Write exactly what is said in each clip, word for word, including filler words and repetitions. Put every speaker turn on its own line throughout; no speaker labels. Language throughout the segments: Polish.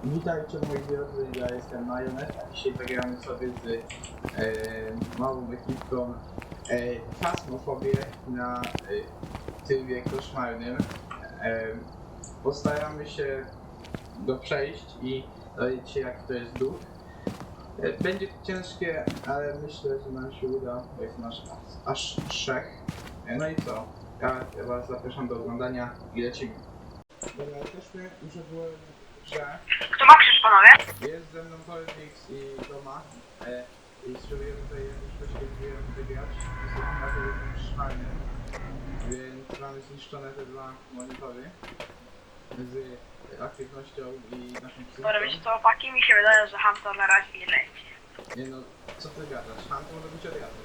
Witajcie moi drodzy, ja jestem Majonet, a dzisiaj zagramy sobie z e, małą ekipką e, Fasmofobię na e, trybie koszmarnym. E, postaramy się go przejść i dowiedzieć się, jak to jest duch. E, będzie to ciężkie, ale myślę, że nam się uda, bo jest nasz aż trzech. E, no i co? Ja, ja was zapraszam do oglądania i lecimy. Dobra, jesteśmy już ogółem w grze.
Kto ma krzyż, panowie?
Jest ze mną Polfix i Doma e, i spróbujemy tutaj jakoś poświęciłem wygrać. Jesteśmy na poziomie szmalnym, więc mamy zniszczone te dwa monitory z aktywnością i naszą psychiką.
Dobra, wiecie co, opaki, mi się wydaje, że Hunter na razie nie leci.
Nie no, co ty gadasz? Hunt może być od razu.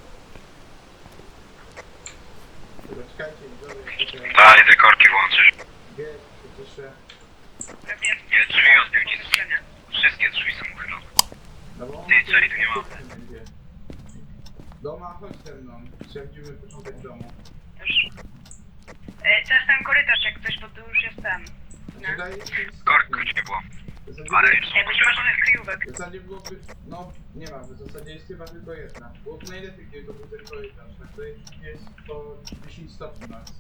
Dobra, czekajcie, widzowie,
Tak, i te korki włączysz.
wie, przecież się...
Pewnie.
Nie, drzwi odbił nic. Wszystkie drzwi są uchylone.
No bo on
Ty, czekaj, tu nie ma.
będzie. Doma, chodź ze mną, sprawdzimy początek domu.
Już. E, to jest ten korytarz jak coś, bo tu już jest ten. Nie?
Tutaj jest ten
Korków
stopień.
nie było.
W zasadzie-
Ale już są
Jakby nie ma żadnych kryjówek.
W zasadzie byłoby, no nie ma, w zasadzie jest chyba tylko jedna. Byłoby najlepiej, gdyby to był ten korytarz, na której jest po dziesięć stopni max.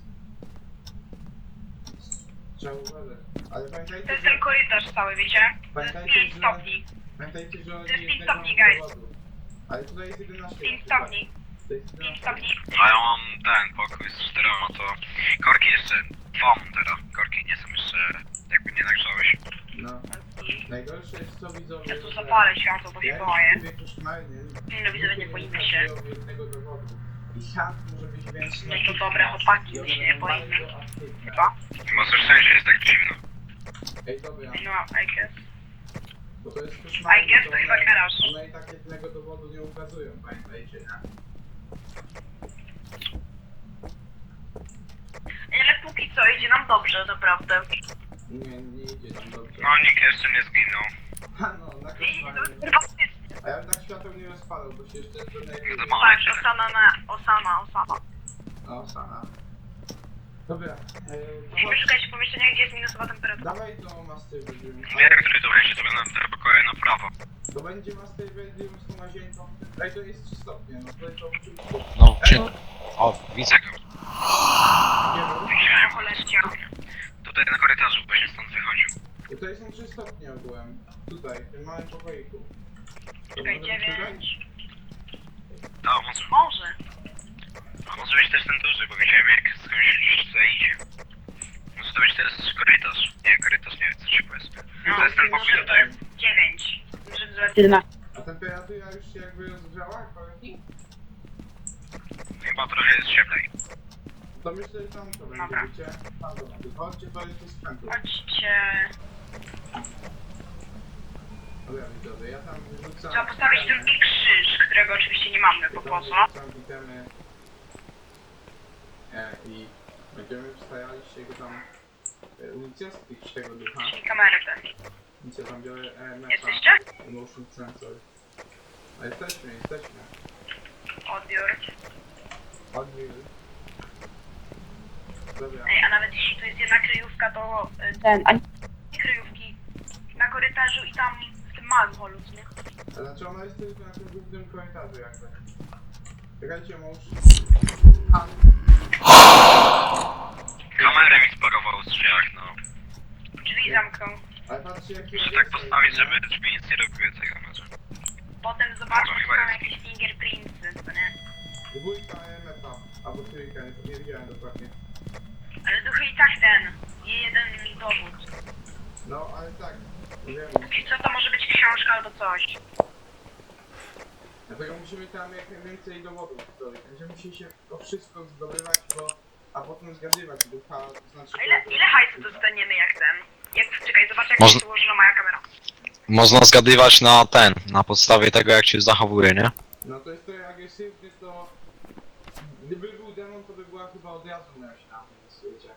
Trzeba uważać. Ale
To
pamiętajcie,
jest
że...
ten korytarz cały, wiecie? To jest
Pamiętajcie,
pięć
że...
stopni.
Pamiętajcie, że
To jest pięć
jednego
stopni, guys.
dowodu. Ale tutaj jest jedenaście.
pięć
na
stopni.
przykład. To jest
pięć
jedenaście.
stopni.
A ja mam ten pokój z czterema, to korki jeszcze dwa mam teraz. Korki nie są jeszcze, jakby nie nagrzałeś.
No. Najgorsze jest co widzowie,
Ja tu
że...
zapalę światło, bo się boję.
Ja już koszmarnym...
Nie no, widzowie, nie boimy się.
jednego dowodu. I Hunt może być więc...
No to dobre chłopaki, my się nie boimy. Chyba.
Może szczęście jest tak dziwno.
Ej, dobra.
No, I guess.
Bo to jest koszmarne,
I guess to chyba
one,
garaż.
one i tak jednego dowodu nie ukazują, pamiętajcie, nie?
Ale póki co idzie nam dobrze, naprawdę.
Nie, nie idzie tam dobrze.
No nikt jeszcze nie zginął.
Ha, no, na
Idzie to
koszmarnym.
fantastycznie.
A ja bym tak światło nie rozpalał, bo się jeszcze zdenerwuję.
Zobaczę.
Tak, Osama na... Osama, Osama.
O, sana. Dobra, e,
Musimy
to
szukać pomieszczenia, gdzie jest minusowa temperatura.
dawaj to Master Bedroom.
Wiem, który to będzie, to będą te pokoje na prawo.
To będzie Master Bedroom z tą łazienką. Ej, to jest trzy stopnie, no to jest to oczywiście.
No,
Ej,
czy...
no,
O, widzę go.
nie wiem.
Widziałem.
Choleścia.
Tutaj na korytarzu, właśnie stąd wychodził.
I to są trzy stopnie ogółem. Tutaj, w tym małym pokoiku. To
Czekaj,
może być tutaj?
dziewięć.
A może,
Może.
a może być też ten duży, bo widziałem jak skądś gdzieś tutaj idzie. Może to być teraz korytarz. Nie, korytarz nie wiem co się powie.
No,
To jest ten pokój
może
tutaj.
dziewięć. Może zrobić jedenaście.
A temperatura już się jakby rozgrzała, jak pamiętnik?
Chyba trochę jest cieplej.
To myślę, że tam to będzie,
Dobra.
wiecie? Tam to będzie. Chodźcie, to jest z sprzętu.
Chodźcie.
Dobra, widzowie, ja tam wyrzucam...
Trzeba postawić drugi krzyż, którego oczywiście nie mamy, bo
Ja
po
tam
co?
wyrzucam itemy. E, I będziemy starali się go tam e, unicestwić tego ducha.
Czyli kamery te.
Więc ja tam biorę E M F
Jesteście?
a, motion sensor. A jesteśmy, jesteśmy.
Odbiór.
Odbiór. Dobra.
Ej, a nawet jeśli to jest jedna kryjówka, to y, ten, a nie kryjówki na korytarzu i tam w tym małym holu, co nie?
A znaczy ona jest tylko na tym głównym korytarzu jakby. Czekajcie, mąż. A,
Kamerę mi sparował w drzwiach, no.
Drzwi zamknął.
ale patrzcie jaki
Muszę
jest
tak postawić,
nie?
żeby drzwi nic nie robiły tego znaczy.
Potem zobaczymy,
No,
czy
chyba
tam
jest.
jakieś fingerprintsy, co nie?
Dwójka E M F a, albo trójka, nie, nie wiedziałem dokładnie.
Ale duchy i tak ten, nie jeden dowód.
No, ale tak, wiemy.
Póki co to może być książka albo coś.
Dlatego musimy tam jak najwięcej dowodów zdobyć. Będziemy musieli się o wszystko zdobywać, bo... A potem zgadywać ducha, to znaczy...
A ile, ile hajsu dostaniemy jak ten? Jak, czekaj, zobacz jak
Można-
jest ułożona moja kamera.
Można zgadywać na ten, na podstawie tego jak się zachowuje, nie?
No to jest trochę agresywny, to... Gdyby był demon, to by była chyba od razu myśl na tym świecie.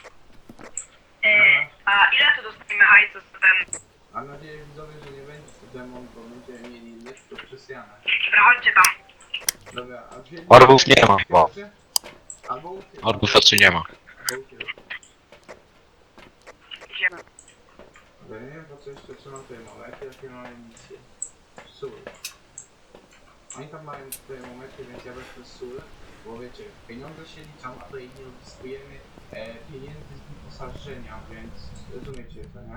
E, a ile tu dostaniemy hajsu z ten?
Mam nadzieję widzowie, że nie będzie to demon, bo będziemy mieli lekko przesjane.
Dobra, chodźcie tam.
Dobra, a dwie...
Orbów nie ma chyba.
Albo ukrył.
Orbów raczej nie ma.
Albo ukrył.
Idziemy.
Ale nie wiem po co jeszcze trzymam termometry, jakie mają misję. Sól. Oni tam mają termometry, więc ja wezmę sól, bo wiecie, pieniądze się liczą, a to i nie odzyskujemy e, pieniędzy z wyposażenia, więc rozumiecie to, nie?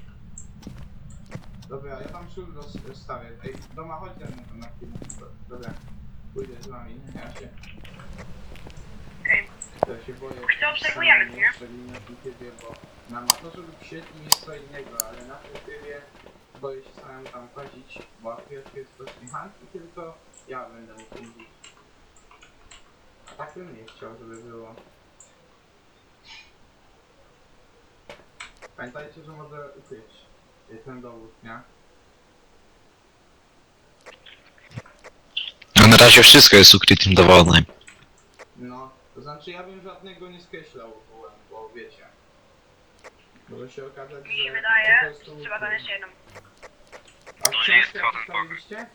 Dobra, ja tam sól roz- rozstawię. Ej, doma chodź ze mną tam na chwilę. Dobra, pójdę z wami, ja się,
Okej.
ja się boję.
Co obserwujemy,
samemu,
nie?
szczególnie na tym trybie, bo na motorze lub sieci jest co innego, ale na tym trybie boję się samemu tam chodzić, bo akurat jest to mechaniki, tylko ja będę mógł jeździć. A tak bym nie chciał, żeby było. Pamiętajcie, że może ukryć ten dowód, nie?
No na razie wszystko jest ukrytym dowodem.
No, to znaczy ja bym żadnego nie skreślał ogółem, bo wiecie. Może się okazać,
Mi
że
się wydaje,
po prostu
że trzeba tam jeszcze jedną.
A
To nie jest
książkę
żaden
postawiliście?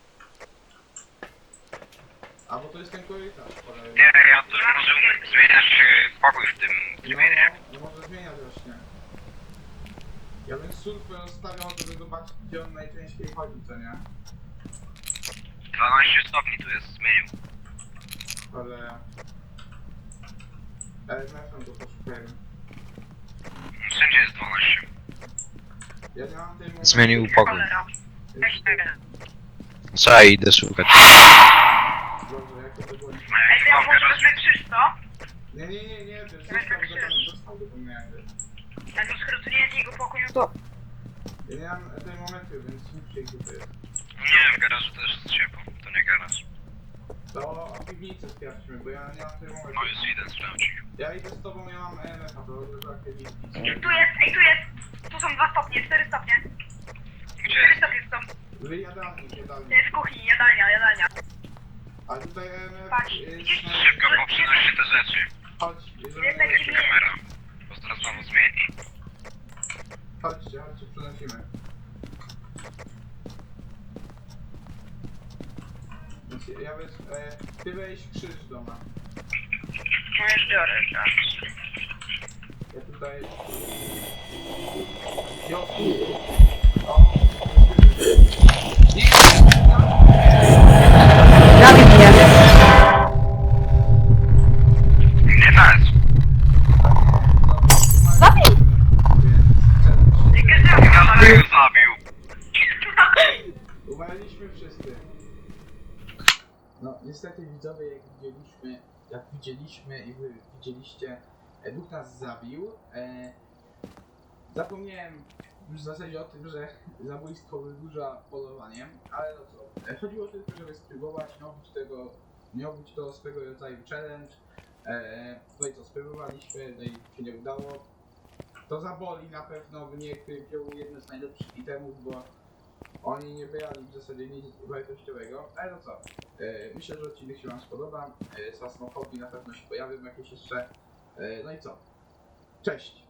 A bo to jest ten korytarz, cholera.
Nie, ja też może umieć zmieniać e, pokój w tym trybie, nie?
No, no może zmieniać właśnie. Ja bym surfę rozstawiał, żeby zobaczyć, gdzie on najczęściej chodzi, co nie?
dwanaście stopni tu jest, zmienił.
Cholera. R M F-em to poszukajmy.
Wszędzie jest dwanaście.
Ja nie mam tej momentu.
Zmienił pokój.
Cholera. Weź tego.
Co, idę szukać.
Dobrze, jak to było?
Ej, to ja może wezmę krzyż, co?
Nie, nie, nie, nie, to jest
Ja
został
tak
go tam,
się-
został go tam jakby.
Jak to skoro to nie jest jego pokój, no to...
Ja nie mam tej momentu, więc nie przyjdzie to jest.
Nie, w garażu też jest ciepło, to nie garaż.
To piwnicę sprawdźmy, bo ja nie mam tej momentu.
No już idę sprawdzić.
Ja idę z tobą, ja mam E M F-a, to tak piwnicy.
Tu jest, ej, tu jest! Tu są dwa stopnie, cztery stopnie.
Gdzie
Cztery
jest?
stopnie są.
Wyjadalnik,
To
jadalnik.
jest kuchni, jadalnia, jadalnia.
A tutaj E M F
Patrz,
jest...
widzisz?
na-
Szybko poprzynoście te rzeczy.
Chodź,
Jest
jeżeli...
taki-
Jeszcze kamera. Bo zaraz znowu zmieni.
Chodźcie, chodźcie, przenosimy. Więc ja weź... E, ty weź krzyż doma.
No już biorę, tak.
Ja tutaj... Jo! O! Nie!
Zabij mnie.
Nie tak!
Zabił!
Więc...
Każdy go zabił.
Umarliśmy wszyscy. No niestety widzowie, jak widzieliśmy, jak widzieliśmy i wy widzieliście, e, Bóg nas zabił. E, zapomniałem już w zasadzie o tym, że zabójstwo wydłuża polowanie, ale no co, e, chodziło tylko, żeby spróbować, nie obyć tego, nie obyć to swego rodzaju challenge. E, no i co, spróbowaliśmy, no i się nie udało. To zaboli na pewno, niech wziął jedno z najlepszych itemów, bo oni nie brali w zasadzie nic wartościowego, ale no co, e, myślę, że odcinek się wam spodoba, e, Sasmofobii na pewno się pojawią jakieś jeszcze, e, no i co, cześć!